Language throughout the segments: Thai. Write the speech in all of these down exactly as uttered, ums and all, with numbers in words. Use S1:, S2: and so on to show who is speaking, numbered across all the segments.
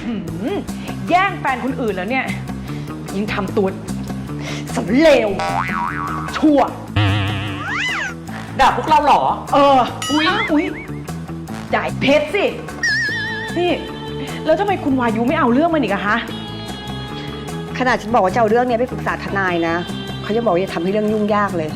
S1: แย่งแฟนคนอื่นแล้วเนี่ยยิ่งทำตัวสำเลวชั่ว
S2: ด่าพวกเราเหรอ
S1: เอออุ๊ยอุ๊ยด่าเพชรสินี่แล้วทำไมคุณวายุไม่เอาเรื่องมันอีกอะคะ
S3: ขนาดฉันบอกว่าจะเอาเรื่องนี้ไปปรึกษาทนายนะเขาจะบอกว่าจะทำให้เรื่องยุ่งยากเลย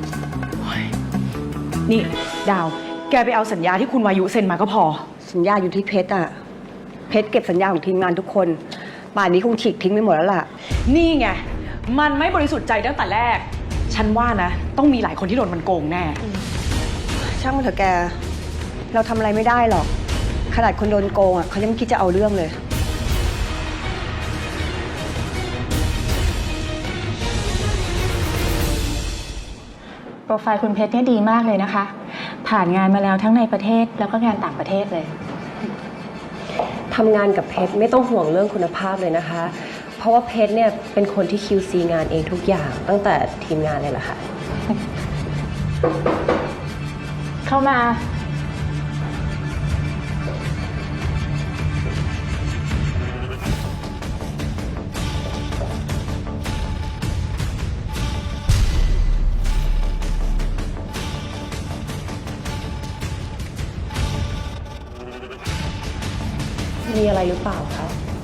S1: นี่ดาวแกไปเอาสัญญาที่คุณวายุเซ็นมาก็พอ
S3: สัญญาอยู่ที่เพชรอะเพชรเก็บสัญญาของทีมงานทุกคนป่านนี้คงฉีกทิ้งไปหมดแล้วล่ะ
S1: นี่ไงมันไม่บริสุทธิ์ใจตั้งแต่แรกฉันว่านะต้องมีหลายคนที่โดนมันโกงแน่
S3: ช่างมันเถอะแกเราทำอะไรไม่ได้หรอกขนาดคนโดนโกงอะเขายังไม่คิดจะเอาเรื่องเลย
S4: โปรไฟล์คุณเพชรเนี่ยดีมากเลยนะคะผ่านงานมาแล้วทั้งในประเทศแล้วก็งานต่างประเทศเลย
S5: ทำงานกับเพชรไม่ต้องห่วงเรื่องคุณภาพเลยนะคะเพราะว่าเพชรเนี่ยเป็นคนที่ คิว ซี งานเองทุกอย่างตั้งแต่ทีมงานเลยล่ะค่ะ
S4: เข้ามา
S5: มีอะไรหรือเปล่าคะ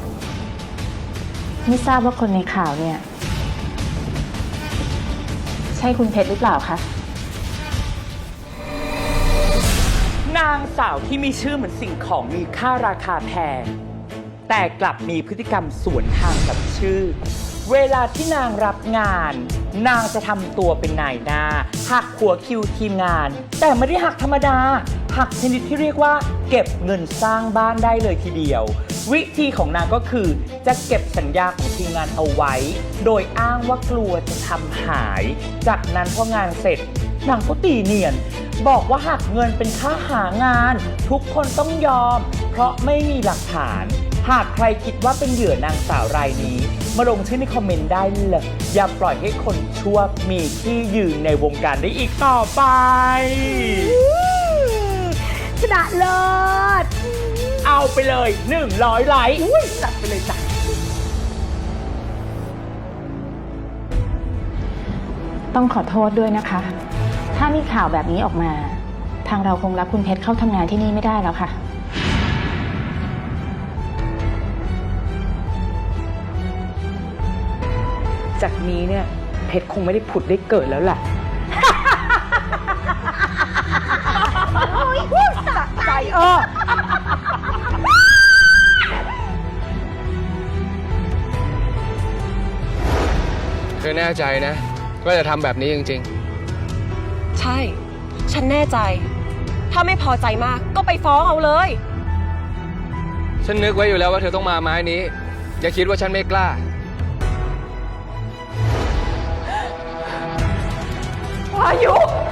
S4: ไม่ทราบว่าคนในข่าวเนี่ยใช่คุณเพชรหรือเปล่าคะ
S2: นางสาวที่มีชื่อเหมือนสิ่งของมีค่าราคาแพงแต่กลับมีพฤติกรรมสวนทางกับชื่อเวลาที่นางรับงานนางจะทำตัวเป็นนายหน้าหักหัวคิวทีมงานแต่ไม่ได้หักธรรมดาหักชนิดที่เรียกว่าเก็บเงินสร้างบ้านได้เลยทีเดียววิธีของนางก็คือจะเก็บสัญญาของทีมงานเอาไว้โดยอ้างว่ากลัวจะทำหายจากนั้นพองานเสร็จนางก็ตีเนียนบอกว่าหักเงินเป็นค่าหางานทุกคนต้องยอมเพราะไม่มีหลักฐานหากใครคิดว่าเป็นเหยื่อนางสาวรายนี้มาลงชื่อในคอมเมนต์ได้เลยอย่าปล่อยให้คนชั่วมีที่ยืนในวงการได้อีกต่อไป
S1: ชนะเลิศ
S2: เอาไปเลยหนึ่งร้อยไลค์
S1: จัดไปเลยจ้ะ
S4: ต้องขอโทษด้วยนะคะถ้ามีข่าวแบบนี้ออกมาทางเราคงรับคุณเพชรเข้าทำงานที่นี่ไม่ได้แล้วค่ะ
S1: จากนี้เนี่ยเพชรคงไม่ได้ผุดได้เกิดแล้วแหละสะใจเออ
S6: เธอแน่ใจนะว่าจะทำแบบนี้จริง
S5: ๆใช่ฉันแน่ใจถ้าไม่พอใจมากก็ไปฟ้องเอาเลย
S6: ฉันนึกไว้อยู่แล้วว่าเธอต้องมาไม้นี้อย่าคิดว่าฉันไม่กล้า
S1: วายุ